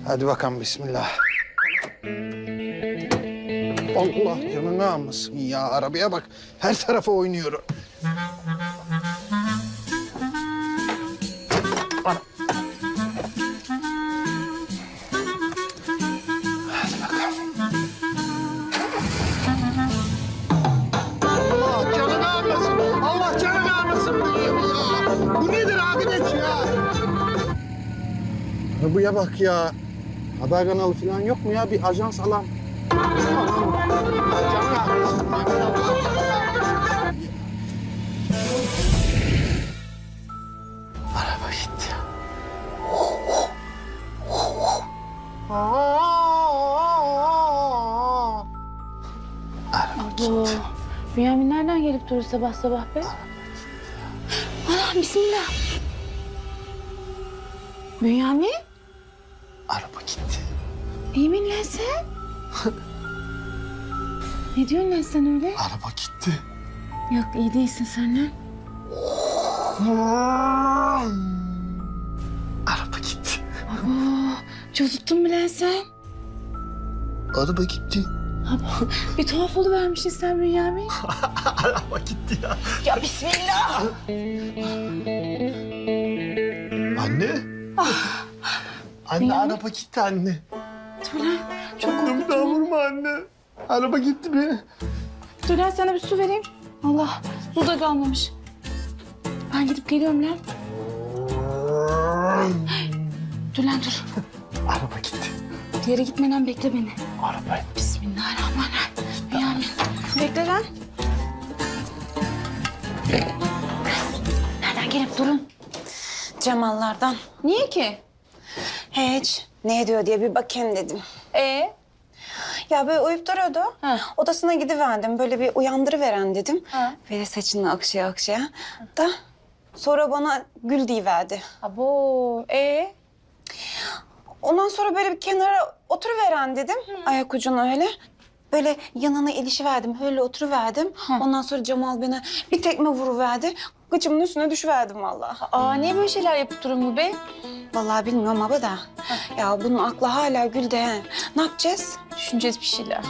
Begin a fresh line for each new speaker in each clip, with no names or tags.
Hadi bakalım bismillah. Allah canını almasın ya. Arabaya bak. Her tarafa oynuyor. Ana. Hadi bakalım. Allah canını almasın. Allah canını almasın diyeyim ya. Bu nedir arkadaş ya? Arabaya bak ya. Haber kanalı falan yok mu ya? Bir ajans alan. Araba gitti. Araba gitti.
Bünyamin nereden gelip durur sabah sabah be? Ana bismillah. Bünyamin?
Araba gitti.
İyi misin lan sen? Ne diyorsun lan sen öyle?
Araba gitti.
Yok iyi değilsin sen lan.
Araba gitti.
Abo, cozuttun mu lan sen?
Araba gitti.
Abo, bir tuhaf oluvermişsin sen Bünyamin.
Araba gitti ya.
Ya bismillah.
Anne. Anne araba gitti anne.
Dur lan çok korktum.
Daha vurma anne. Araba gitti be.
Dur lan sana bir su vereyim. Allah su da kalmamış. Ben gidip geliyorum lan. Dur lan dur.
Araba gitti.
Bir yere gitmeden bekle beni.
Araba.
Bismillahirrahmanirrahim. Bünyamin. Bekle lan. Nereden gelip durun?
Cemallardan.
Niye ki?
Hiç. Ne ediyor diye bir bakayım dedim. Ya böyle uyup duruyordu.
Ha.
Odasına gidiverdim. Böyle bir uyandırıveren dedim.
Ha.
Böyle saçını akşaya akşaya. Da sonra bana gül deyiverdi.
Abo.
Ondan sonra böyle bir kenara oturuveren dedim. Ayak ucuna öyle. Böyle yanına ilişiverdim. Öyle oturuverdim. Ondan sonra Cemal bana bir tekme vuruverdi. Gıcımın üstüne düşüverdim vallahi.
Aa niye böyle şeyler yapıp durun bu be?
Vallahi bilmiyorum ama da. Ya bunun aklı hala gülde. He. Ne yapacağız?
Düşüneceğiz bir şeyler.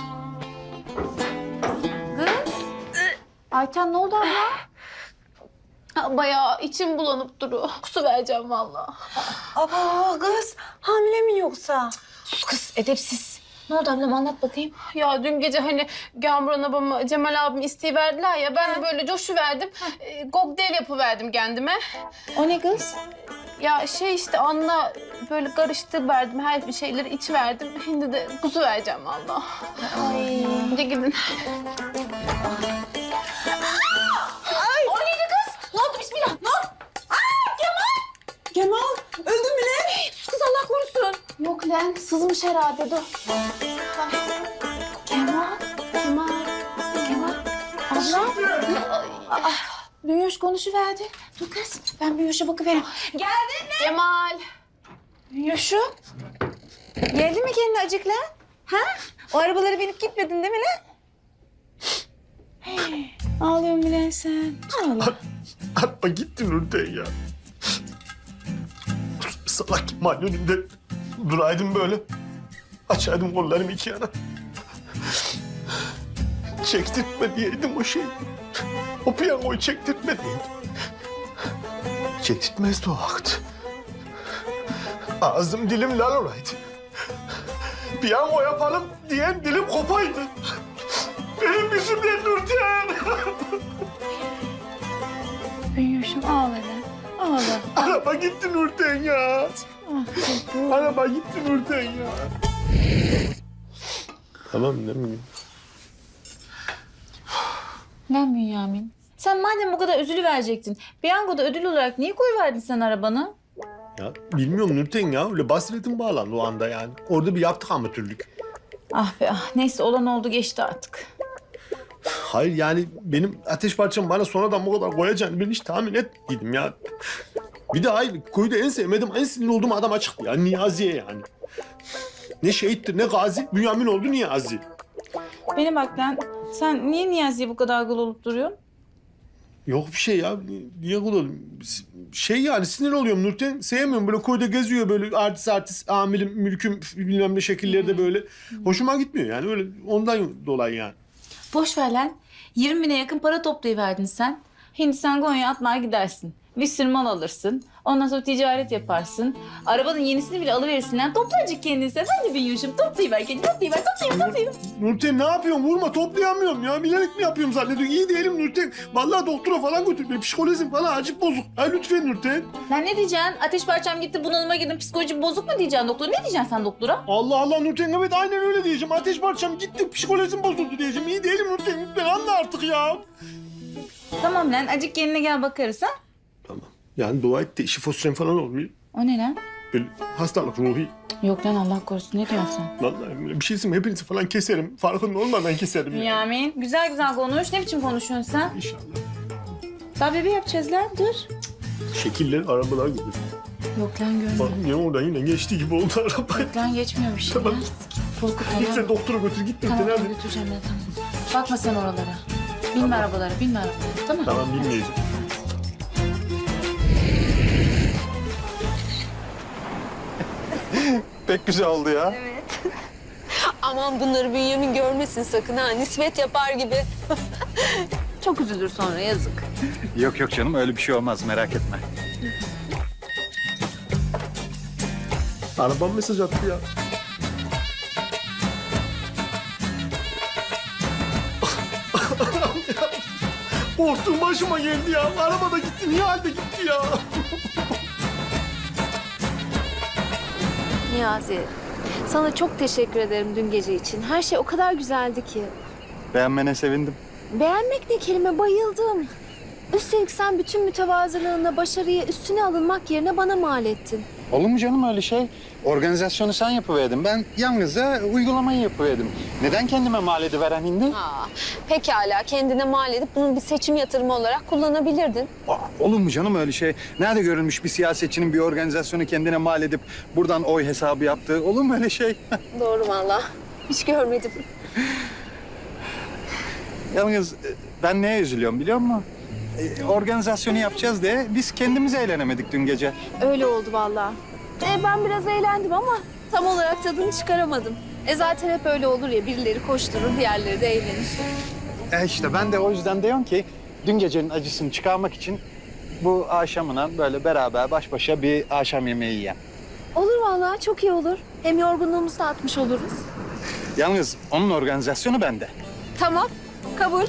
Kız. Ayten ne oldu abla? Bayağı içim bulanıp duruyor. Kusu vereceğim vallahi.
Aba kız hamile mi yoksa?
Sus kız edepsiz. Ne oldu ablam anlat bakayım. Ya dün gece hani Gamuran abamı, Cemal abim isteyiverdiler ya. Ben de böyle coşuverdim. Kokteyl yapıverdim kendime. O ne kız? Ya şey işte Anla böyle karıştı verdim. Her bir şeyleri içiverdim. Şimdi de kuzu vereceğim vallahi. Ay. Hadi gidin. Ay. O neydi kız? Ne oldu bismillah? Ne oldu?
Kemal öldü mü lan?
Sus kız Allah korusun. Yok lan sızmış herhalde dur. Kemal. Abla. Bünyoş konuşuverdi. Dur kız ben Bünyoş'a bakıvereyim. Geldin mi? Kemal. Bünyoş'um. Geldi mi kendine acık lan? Ha? O arabalara binip gitmedin değil mi lan? Hey, ağlıyorsun bile sen. Ağla.
Araba gitti Nurten ya. Salak Kemal önünde duraydım böyle. Açaydım kollarımı iki yana. Çektirtme diyeydim o şeyi. O piyangoyu çektirtme diyeydim. Çektirtmezdi o vakit. Ağzım dilim lal olaydı. Piyango yapalım diyen dilim kopaydı. Benim yüzümden Nurten.
Bünyoş'um ağla lan. Ağla.
Araba gitti Nurten ya. Araba gitti Nurten ya. Tamam değil mi?
Lan Bünyamin. Sen madem bu kadar üzülüverecektin, piyangoda ödül olarak niye koyuverdin sen arabanı?
Ya bilmiyorum Nurten ya. Öyle basiretim bağlandı o anda yani. Orada bir yaptık amatörlük.
Ah be ah. Neyse olan oldu geçti artık.
Hayır yani benim ateş parçam bana sonradan bu kadar koyacağını ben hiç tahmin etmedim ya. Bir de hayır köyde en sevmediğim, en sinirli olduğum adam açıktı ya. Niyazi'ye yani. Ne şehittir ne gazi, Bünyamin oldu Niyazi.
Beni bak lan. Sen niye Niyazi'ye bu kadar gıl olup duruyorsun?
Yok bir şey ya. Niye kul şey yani sinir oluyorum Nurten. Sevmiyorum böyle koyda geziyor böyle artist amirim mülküm bilmem ne şekillerde böyle. Hoşuma gitmiyor yani öyle ondan dolayı yani.
Boş ver lan. 20 bine yakın para toplayıverdin sen. Hindistan Konya'ya atlar gidersin. Bir sürü mal alırsın. Ondan sonra ticaret yaparsın. Arabanın yenisini bile alıverirsin lan. Topla azıcık kendini sen. Hadi bir yuşum. Toplayıver kendini. Toplayıver.
Nurten ne yapıyorsun? Vurma toplayamıyorum ya. Bilerek mi yapıyorum zannediyorsun? İyi değilim Nurten. Vallahi doktora falan götür. Benim psikolojim falan acip bozuk. Ha lütfen Nurten.
Lan ne diyeceksin? Ateş parçam gitti, bunalıma girdim, psikolojim bozuk mu diyeceksin doktor? Ne diyeceksin sen doktora?
Allah Allah Nurten evet aynen öyle diyeceğim. Ateş parçam gitti psikolojim bozuldu diyeceğim. İyi değilim Nurten. Lütfen anla artık ya.
Tamam lan, acık kendine gel bakarız ha.
Tamam. Yani dua et de şifosren falan olmuyor.
O ne lan?
Böyle hastalık ruhi.
Yok lan, Allah korusun, ne diyorsun sen?
Vallahi bir şeysin hepinizi falan keserim. Farkında olmadan keserim ya.
Yamin, güzel güzel konuş. Ne biçim konuşuyorsun sen?
İnşallah.
Daha bebe yapacağız lan, dur.
Şekiller arabalar gibi.
Yok lan, görmedim.
Bak yine oradan yine geçtiği gibi oldu araba.
Yok lan, geçmiyor bir şey.
Tamam.
Lan. Korkut
Git
tamam.
sen doktora götür git
Tamam,
Nurten
ben
hadi.
götüreceğim ben, tamam. Bakma sen oralara. Binme arabalara, binme arabalara. Tamam.
Tamam bilmeyeceğim.
Pek güzel oldu ya.
Aman bunları Bünyamin görmesin sakın ha. Nispet yapar gibi. Çok üzülür sonra yazık.
Yok yok canım öyle bir şey olmaz merak etme.
Arabam mesaj attı ya. Korktuğum başıma geldi ya. Araba da gitti. Niye halde gitti ya?
Niyazi, sana çok teşekkür ederim dün gece için. Her şey o kadar güzeldi ki.
Beğenmene sevindim.
Beğenmek ne kelime, bayıldım. Üstelik sen bütün mütevazılığınla başarıyı üstüne alınmak yerine bana mal ettin.
Olur mu canım öyle şey? Organizasyonu sen yapıverdin. Ben yalnızca uygulamayı yapıverdim. Neden kendime mal ediveren hindi?
Pekala, kendine mal edip bunu bir seçim yatırımı olarak kullanabilirdin.
Olur mu canım öyle şey? Nerede görülmüş bir siyasetçinin bir organizasyonu kendine mal edip buradan oy hesabı yaptığı? Olur mu öyle şey?
Doğru vallahi. Hiç görmedim.
Yalnız ben neye üzülüyorum biliyor musun? Organizasyonu yapacağız diye biz kendimiz eğlenemedik dün gece.
Öyle oldu vallahi. Ben biraz eğlendim ama tam olarak tadını çıkaramadım. Zaten hep öyle olur ya, birileri koşturur, diğerleri de eğlenir.
İşte ben de o yüzden diyorum ki dün gecenin acısını çıkarmak için bu akşamına böyle beraber baş başa bir akşam yemeği yiyelim.
Olur vallahi, çok iyi olur. Hem yorgunluğumuzu da atmış oluruz.
Yalnız onun organizasyonu bende.
Tamam, kabul.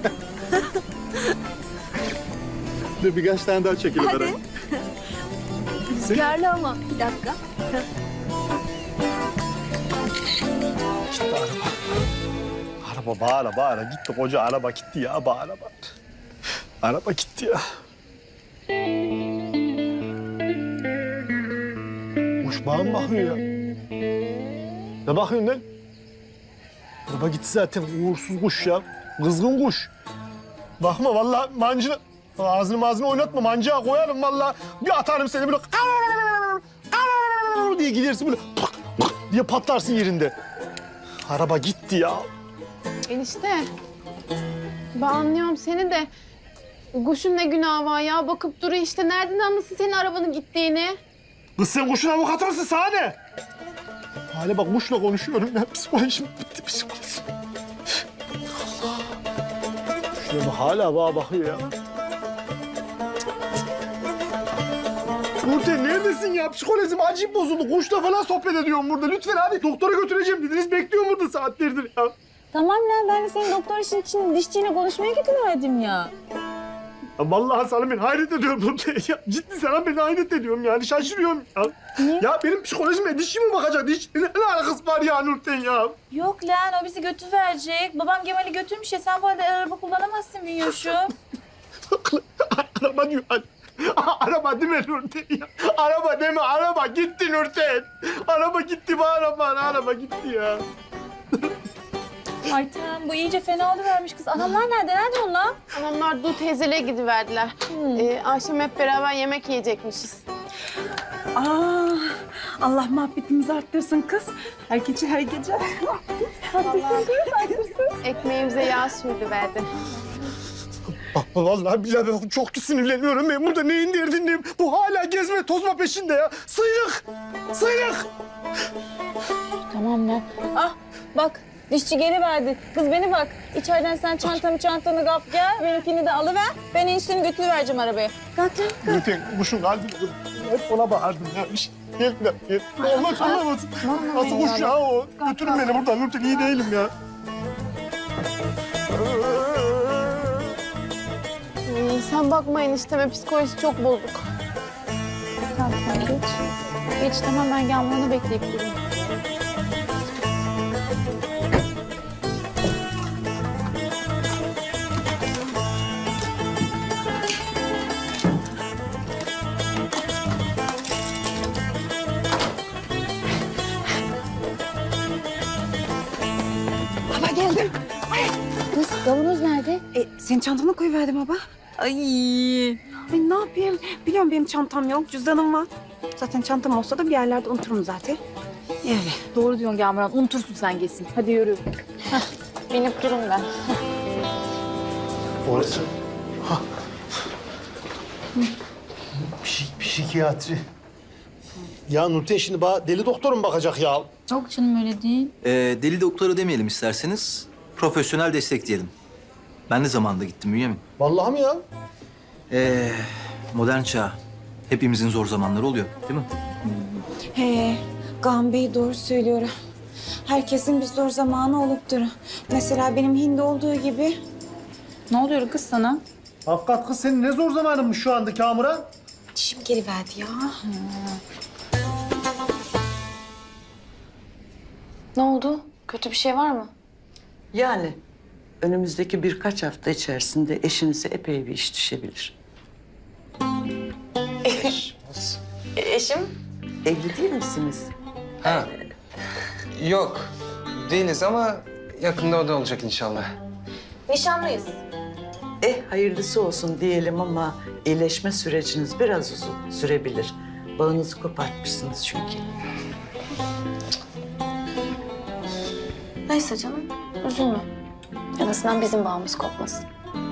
Dur birkaç tane daha çekelim.
Hadi. Rüzgarlı ama. Bir dakika.
Araba bağıra gitti. Koca araba gitti ya bağıra. Araba gitti ya. Kuş bana mı bakıyor ya? Ne bakıyorsun lan? Araba gitti zaten. Uğursuz kuş ya. Kızgın kuş. Bakma vallahi mancını... Ağzını oynatma. Mancağa koyarım vallahi. Bir atarım seni böyle... diye gidersin böyle... diye patlarsın yerinde. Araba gitti ya.
Enişte. Ben anlıyorum seni de. Kuşun ne günahı var ya? Bakıp duruyor işte. Nereden anlasın senin arabanın gittiğini?
Kız sen kuşun avukatı mısın sana ne? Hale bak kuşla konuşuyorum ya. Psikolojim bitti psikolojim. Allah. Şuna bak hala bana bakıyor ya. Nurten neredesin ya? Psikolojim acayip bozuldu. Kuşla falan sohbet ediyorum burada. Lütfen hadi doktora götüreceğim dediniz. Bekliyorum burada saatlerdir ya.
Tamam lan, ben de senin doktor işin için dişçiyle konuşmaya gidiverdim ya.
Ya vallahi sana ben hayret ediyorum Nurten ya. Ciddi sana ben hayret ediyorum yani. Şaşırıyorum ya.
Niye?
Ya benim psikolojime dişçi mi bakacak? Diş ne alakası var ya Nurten ya?
Yok lan, o bizi götüverecek. Babam Gemal'i götürmüş ya, sen bu halde araba kullanamazsın Bünyoş'um.
Araba diyor. Araba deme Nurten ya. Araba deme, araba gitti Nurten. Araba gitti bu araba gitti ya.
Ay tamam, bu iyice fena oluvermiş kız. Anamlar nerede? Nerede onlar?
Adamlar Du teyzelere gidiverdiler. Akşam hep beraber yemek yiyecekmişiz.
Allah muhabbetimizi arttırsın kız. Her gece her gece.
Ekmeğimize yağ sürdüverdi.
Vallahi billahi ben çok sinirleniyorum. Ben burada neyin derdindeyim? Bu hala gezme tozma peşinde ya. Sıyrık! Sıyrık!
Tamam lan. Ah bak dişçi geri verdi. Kız beni bak. İçeriden sen çantanı kap gel. Benimkini de alıver. Ben enişteni götürüvereceğim arabaya. Kalk lan.
Lütfen kuşun kalbini kır. Hep ona bağırdım ya. Gel bir dakika. Gel. Allah anlamasın. Nasıl kuş ya o? Götürün beni buradan. Lütfen iyi değilim ya.
Sen bakma enişteme psikolojisi çok bozuk. Tamam sen geç. Geç tamam ben Gamran'ı bekleyip durayım.
Baba geldim.
Kız kavanoz nerede?
Senin çantana koyuverdim baba. Ay ne yapayım? Biliyorum benim çantam yok, cüzdanım var. Zaten çantam olsa da bir yerlerde unuturum zaten. Öyle.
Doğru diyorsun Gamran. Unutursun sen kesin. Hadi yürü.
Binip durun ben.
Orası. Psikiyatri. Ya Nurten şimdi bana deli doktorum bakacak ya.
Yok canım öyle değil.
Deli doktoru demeyelim isterseniz. Profesyonel destek diyelim. Ben de zamanında gittim Bünyamin.
Vallahi mi ya?
Modern çağ. Hepimizin zor zamanları oluyor değil mi?
He, Kaan Bey doğru söylüyor. Herkesin bir zor zamanı olup durur. Mesela benim hindi olduğu gibi.
Ne oluyor kız sana?
Hakikat kız senin ne zor zamanınmış şu anda Kamuran.
Dişim geliverdi ya.
Ne oldu? Kötü bir şey var mı?
Yani önümüzdeki birkaç hafta içerisinde eşinize epey bir iş düşebilir.
Eşim?
Evli değil misiniz?
Ha. Yok. Değiliz ama yakında o da olacak inşallah.
Nişanlıyız.
Hayırlısı olsun diyelim ama iyileşme süreciniz biraz uzun sürebilir. Bağınızı kopartmışsınız çünkü.
Neyse canım üzülme. En azından bizim bağımız kopmasın.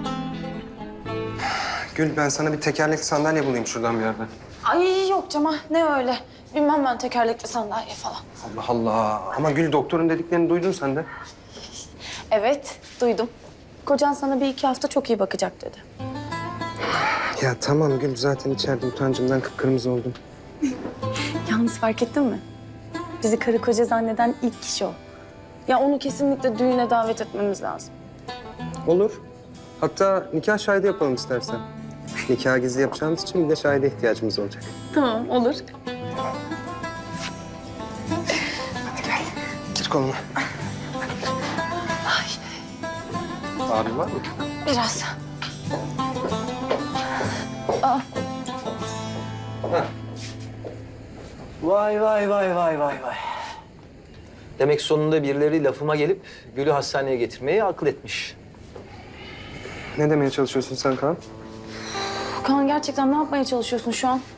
Gül ben sana bir tekerlekli sandalye bulayım şuradan bir yerden.
Ay yok Cemal ne öyle. Bilmem ben tekerlekli sandalye falan.
Allah Allah. Ama Gül doktorun dediklerini duydun sen de.
Evet duydum. Kocan sana bir iki hafta çok iyi bakacak dedi.
Ya tamam Gül zaten içeride utancımdan kıpkırmızı oldum.
Yalnız fark ettin mi? Bizi karı koca zanneden ilk kişi o. Ya onu kesinlikle düğüne davet etmemiz lazım.
Olur. Hatta nikah şahidi yapalım istersen. Nikah gizli yapacağımız için bir de şahide ihtiyacımız olacak.
Tamam olur.
Gir koluma. Ağrı var mı?
Biraz.
Vay vay vay vay vay vay. Demek sonunda birileri lafıma gelip Gül'ü hastaneye getirmeyi akıl etmiş.
Ne demeye çalışıyorsun sen Kaan?
Kaan gerçekten ne yapmaya çalışıyorsun şu an?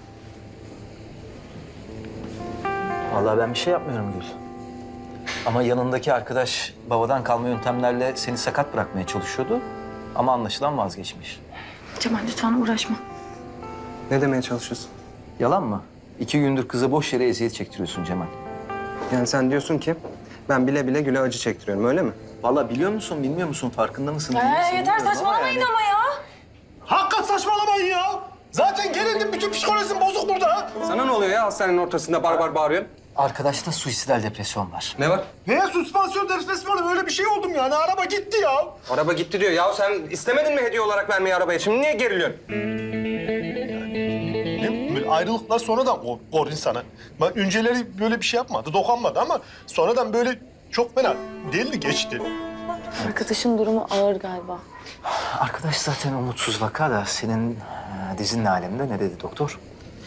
Vallahi ben bir şey yapmıyorum Gül. Ama yanındaki arkadaş babadan kalma yöntemlerle seni sakat bırakmaya çalışıyordu. Ama anlaşılan vazgeçmiş.
Cemal lütfen uğraşma.
Ne demeye çalışıyorsun?
Yalan mı? 2 gündür kıza boş yere eziyet çektiriyorsun Cemal.
Yani sen diyorsun ki ben bile bile Gül'e acı çektiriyorum öyle mi?
Vallahi biliyor musun, bilmiyor musun, farkında mısın? değil misin
Yeter
bilmiyorum
saçmalamayın
yani.
ama ya.
Hakikat saçmalamayın ya. Zaten gerildim bütün psikolojim bozuk burada.
Sana ne oluyor ya hastanenin ortasında barbar bağırıyorsun?
Arkadaşta suisidal depresyon var.
Ne var?
Neye süspansiyon depresyonu böyle bir şey oldum yani. Araba gitti ya.
Araba gitti diyor. Ya sen istemedin mi hediye olarak vermeyi arabaya? Şimdi niye geriliyorsun?
Ne, böyle ayrılıklar sonradan kor insana. Ben önceleri böyle bir şey yapmadı, dokunmadı ama sonradan böyle çok fena deldi geçti.
Arkadaşın durumu ağır galiba.
Arkadaş zaten umutsuz vaka da senin dizinin aleminde ne dedi doktor?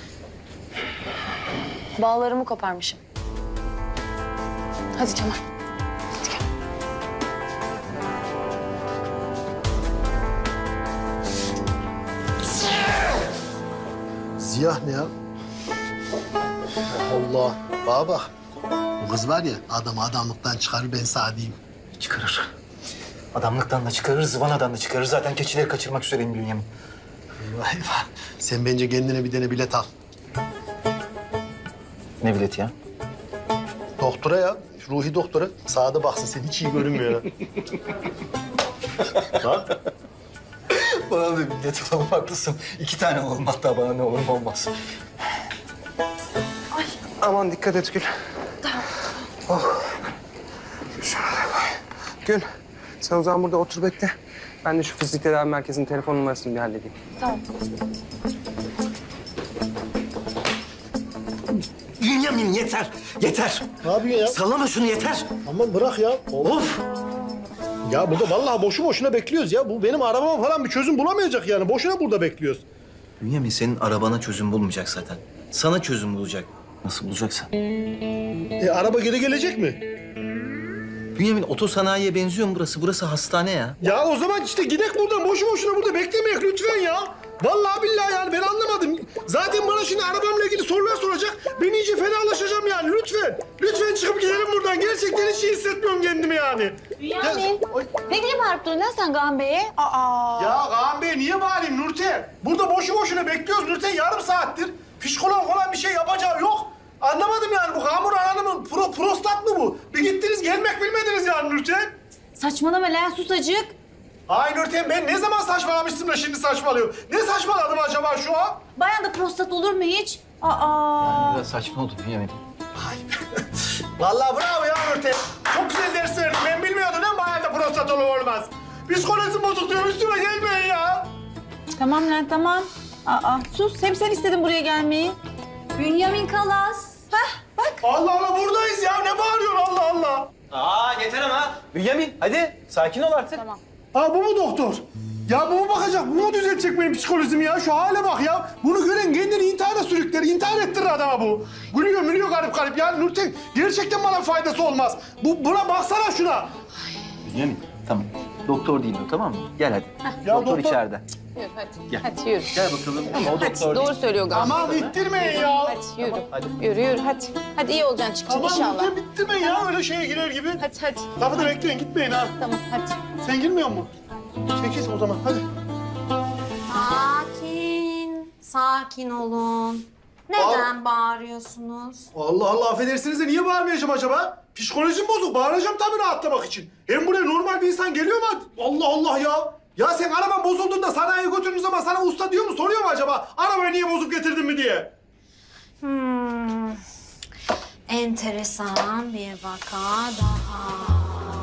Bağlarımı koparmışım. Hadi Cemal. Hadi gel.
Ziya ne ya? Allah. Bana bak. Bu kız var ya adamı adamlıktan çıkarır ben sana diyeyim.
Çıkarır. Adamlıktan da çıkarır, zıvanadan da çıkarır. Zaten keçileri kaçırmak üzereyim Bünyamin.
Vay vay. Sen bence kendine bir tane bilet al.
Ne bileti ya?
Doktora ya. Ruhi doktora. Sağda baksın sen hiç iyi görünmüyor. Ha?
Bana da bilet alalım, haklısın. 2 tane alalım hatta, bana ne olur ne olmaz.
Aman dikkat et Gül. Oh. Şöyle koy. Gül, sen o zaman burada otur bekle. Ben de şu fizik tedavi merkezinin telefon numarasını bir halledeyim.
Bünyamin yeter, yeter.
Ne yapıyorsun ya?
Sallama şunu, yeter.
Aman bırak ya.
Of!
Ya burada vallahi boşu boşuna bekliyoruz ya. Bu benim arabama falan bir çözüm bulamayacak yani. Boşuna burada bekliyoruz.
Bünyamin senin arabana çözüm bulmayacak zaten. Sana çözüm bulacak. Nasıl bulacaksa.
Araba geri gelecek mi?
Bünyamin otosanayiye benziyor mu burası? Burası hastane ya.
Ya o zaman işte gidek buradan. Boşu boşuna burada beklemeyek lütfen ya. Vallahi billahi yani ben anlamadım. Zaten bana şimdi arabamla ilgili sorular soracak. Ben iyice fenalaşacağım yani lütfen. Lütfen çıkıp gidelim buradan. Gerçekten hiç iyi hissetmiyorum kendimi yani.
Bünyamin, ne diye bağırıp durun lan sen Kaan Bey'e? Aa.
Ya Kaan Bey niye bağırayım Nurten? Burada boşu boşuna bekliyoruz Nurten yarım saattir. Psikolog falan bir şey yapacağı yok. Anlamadım yani bu Kamur Hanım'ın prostat mı bu? Bir gittiniz gelmek bilmediniz yani Nurten.
Saçmalama lan, sus acık.
Ay Nurten ben ne zaman saçmalamıştım da şimdi saçmalıyorum. Ne saçmaladım acaba şu an?
Bayan da prostat olur mu hiç? Aa.
Biraz saçma oldu Bünyamin.
Vallahi bravo ya Nurten. Çok güzel ders verdin. Ben bilmiyordum değil mi? Bayağı da prostat olur olmaz. Psikolojim bozuk diyorum üstüme gelmeyin ya.
Tamam lan, tamam. Aa, sus. Hem sen istedin buraya gelmeyi. Bünyamin Kalas.
Allah Allah buradayız ya. Ne bağırıyorsun Allah Allah?
Yeter ama. Bünyamin hadi sakin ol artık. Tamam.
Ha bu mu doktor? Ya bu mu bakacak? Bu mu düzeltecek benim psikolojimi ya? Şu hale bak ya. Bunu gören kendini intihara sürükler. İntihar ettirir adama bu. Gülüyor garip garip. Ya Nurten gerçekten bana faydası olmaz. Buna baksana şuna.
Bünyamin tamam. Doktor değil o, tamam mı? Gel hadi.
Ya
doktor
doktor-
içeride.
Yürü hadi.
Gel.
Hadi yürü.
Gel bakalım. O doktor değil.
Doğru söylüyor galiba.
Aman ittirmeyin ya.
Hadi yürü.
Hadi.
Yürü hadi. Hadi iyi olacaksın çıkacak
Aman
inşallah.
Nurten bittirmeyin ya. Öyle şeye girer gibi.
Hadi.
Kapıda bekleyin gitmeyin ha.
Tamam hadi.
Sen girmiyor musun? Çekil o zaman hadi.
Sakin olun. Neden bağırıyorsunuz?
Allah Allah affedersiniz de niye bağırmayacağım acaba? Psikolojim bozuk. Bağıracağım tabii rahatlamak için. Hem buraya normal bir insan geliyor mu? Allah Allah ya. Ya sen araban bozulduğunda sanayiye götürdüğün zaman sana usta diyor mu? Soruyor mu acaba? Arabayı niye bozup getirdin mi diye?
Enteresan bir vaka daha.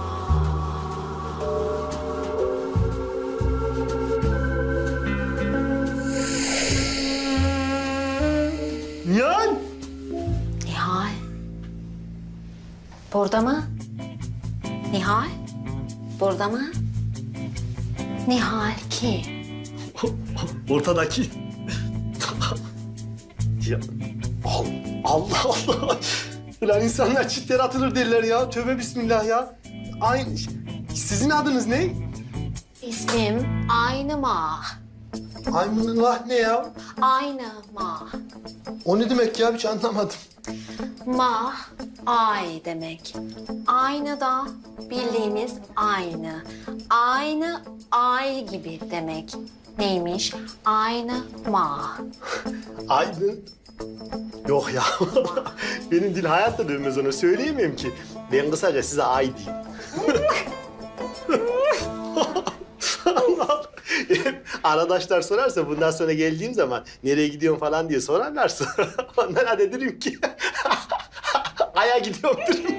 Nihal.
Nihal. Burada mı? Nihal. Burada mı? Nihal kim?
Ortadaki. Ya. Allah Allah. Ulan insanlar çitlere atılır derler ya. Tövbe bismillah ya. Aynı. Sizin adınız ne?
İsmim Aynı Mah.
Aymunullah ne ya?
Aynı Mah.
O ne demek ya? Hiç anlamadım.
Mah, ay demek. Aynı da bildiğimiz aynı. Aynı ay gibi demek. Neymiş? Aynı mah.
Aydın. Yok ya. Benim dil hayatta dönmez ona. Söyleyemem ki. Ben kısaca size ay diyeyim. Allah. Arkadaşlar sorarsa bundan sonra geldiğim zaman nereye gidiyorum falan diye sorarlarsa onlara da derim ki Ay'a gidiyorum derim.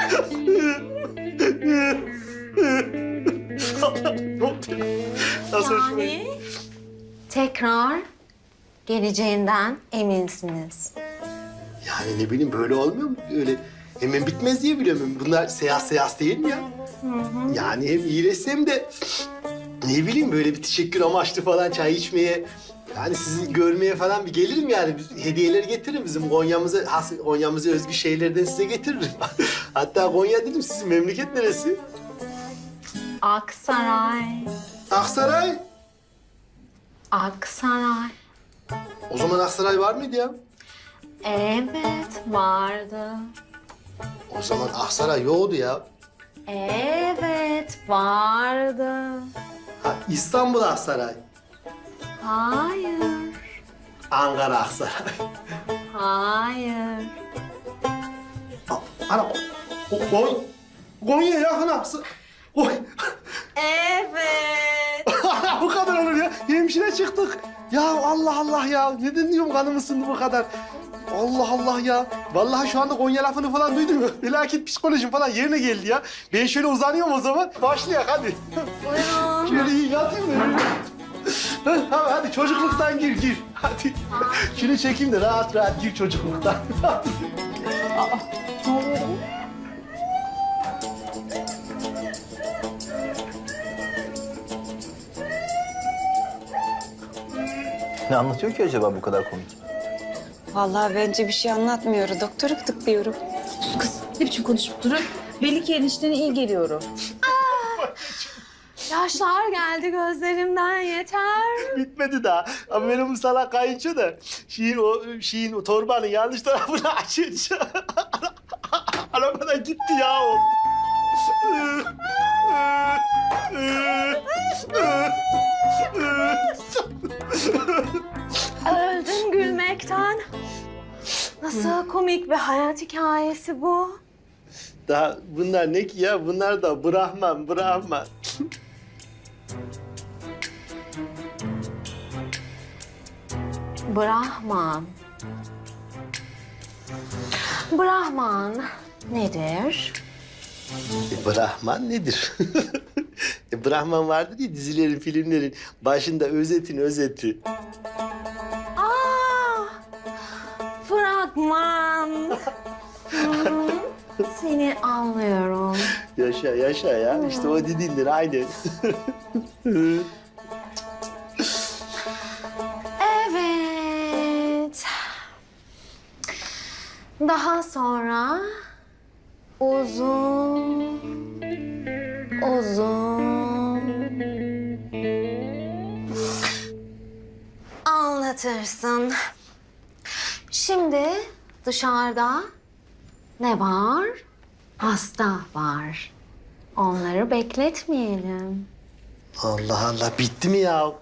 Nasıl hoşuma gitti?
Yani tekrar geleceğinden eminsiniz.
Yani ne bileyim böyle olmuyor mu? Öyle hemen bitmez diye biliyorum. Bunlar seans değil mi ya? Yani hem iyileşsem de ne bileyim böyle bir teşekkür amaçlı falan çay içmeye, yani sizi görmeye falan bir gelirim yani. Hediyeler getiririm bizim Konya'mıza özgü şeylerden size getiririm. Hatta Konya dedim, sizin memleket neresi?
Aksaray.
Aksaray.
Aksaray.
O zaman Aksaray var mıydı ya?
Evet vardı.
O zaman Aksaray yoktu ya.
Evet, vardı.
Ha, İstanbul Aksaray.
Hayır,
Ankara Aksaray.
hayır.
Ana, Konya yakın Aksaray.
Evet.
Bu kadar olur ya. Hemşire çıktık. Ya Allah Allah ya. Neden diyorum kanım ısındı bu kadar. Allah Allah ya. Vallahi şu anda Konya lafını falan duydum ya. Felaket psikolojim falan yerine geldi ya. Ben şöyle uzanıyorum o zaman. Başlayak hadi.
Buyurun.
Şöyle iyi yatayım da. Hadi çocukluktan gir. Hadi. Şunu çekeyim de rahat rahat gir çocukluktan.
Ne anlatıyor ki acaba bu kadar komik?
Vallahi bence bir şey anlatmıyor. Doktoru gıdıklıyorum.
Kız ne biçim konuşup durun? Belli ki eniştene iyi geliyorum.
Yaşlar geldi gözlerimden yeter.
Bitmedi daha. Ama benim bu salak kayınço da şeyin o torbanın yanlış tarafını açınca arabadan gitti ya o.
Öldüm gülmekten. Nasıl komik bir hayat hikayesi bu.
Daha bunlar ne ki ya? Bunlar da Brahman.
Brahman. Brahman nedir?
Brahman nedir? Brahman vardır ya dizilerin, filmlerin başında özetin özeti.
Aa, fragman. Seni anlıyorum.
Yaşa ya. İşte o dediğindir aynen.
Evet. Daha sonra uzun anlatırsın. Şimdi dışarıda ne var? Hasta var. Onları bekletmeyelim.
Allah Allah bitti mi ya?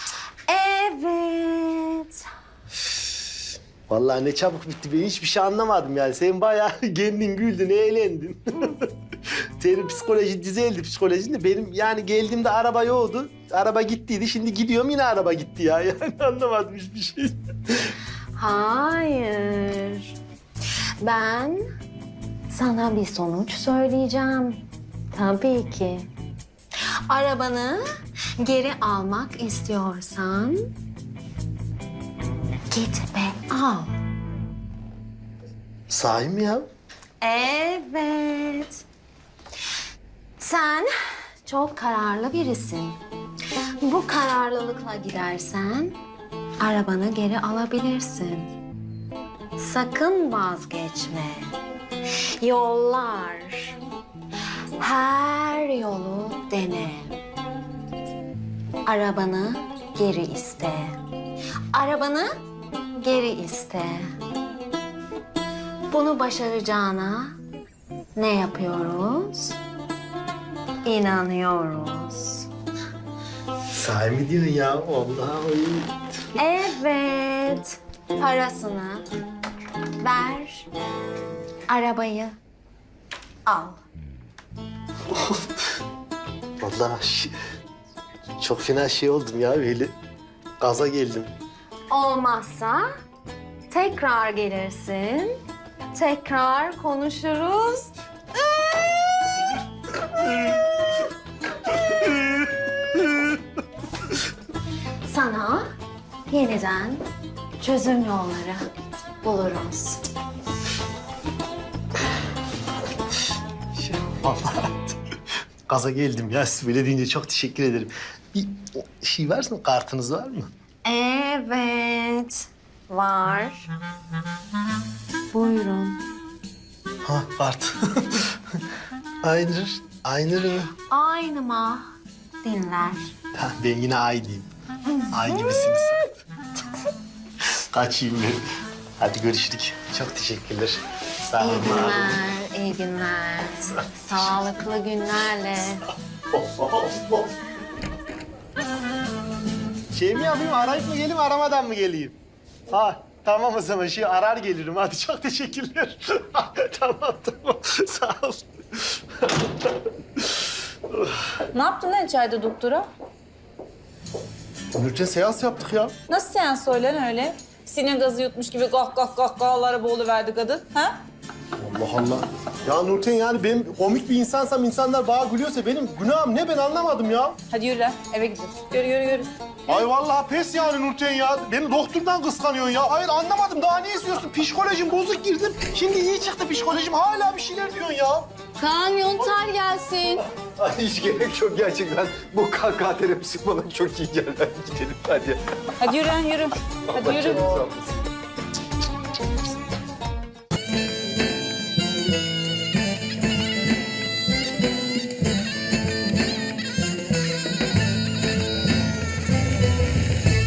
Evet.
Vallahi ne çabuk bitti. Ben hiçbir şey anlamadım yani. Sen bayağı kendin güldün, eğlendin. Senin psikoloji düzeldi psikolojinde. Benim yani geldiğimde araba yoktu. Araba gittiydi. Şimdi gidiyorum yine araba gitti ya. Yani anlamadım hiçbir şey.
Hayır. Ben sana bir sonuç söyleyeceğim. Tabii ki. Arabanı geri almak istiyorsan git ve al.
Sahi mi ya?
Evet. Sen çok kararlı birisin. Bu kararlılıkla gidersen arabanı geri alabilirsin. Sakın vazgeçme. Yollar. Her yolu dene. Arabanı geri iste. Arabanı geri iste. Bunu başaracağına ne yapıyoruz? İnanıyoruz.
Sahi mi diyorsun ya? Allah.
Evet. Parasını ver. Arabayı al.
Vallahi çok fena şey oldum ya böyle. Gaza geldim.
Olmazsa tekrar gelirsin. Tekrar konuşuruz. Sana yeniden çözüm yolları buluruz.
Vallahi gaza geldim ya. Siz böyle deyince çok teşekkür ederim. Bir şey varsa mı? Kartınız var mı?
Evet, var. Buyurun.
Ha kart. Aynır mı?
Aynı mı dinler?
Ha, ben yine ay diyeyim. Ay gibisiniz. Kaçayım ben. Hadi görüşürük. Çok teşekkürler. Sağ
İyi
olun.
günler, iyi İyi günler. Sağlıklı günlerle.
Şey mi yapayım, arayıp mı geleyim, aramadan mı geleyim? Ha, tamam o zaman. Arar gelirim. Hadi çok teşekkürler. Tamam. Sağ ol.
Ne yaptın lan içeride doktora?
Nurten seans yaptık ya.
Nasıl seans öyle? Sinir gazı yutmuş gibi kahlara boğuluverdi kadın. Ha?
Allah Allah. Ya Nurten yani benim komik bir insansam insanlar bana gülüyorsa benim günahım ne ben anlamadım ya.
Hadi yürü lan eve gidiyoruz. Yürü.
Ay vallahi pes yani Nurten ya. Beni doktordan kıskanıyorsun ya. Hayır anlamadım. Daha ne istiyorsun? Psikolojim bozuk girdim. Şimdi iyi çıktı psikolojim. Hala bir şeyler diyorsun ya.
Kaan Yontar gelsin.
Ay, hiç gerek yok gerçekten. Bu kahkaha terapisi bana çok iyi geldi. Gidelim hadi.
Hadi yürü lan yürü. Hadi yürü.
Allah canınızı almasın.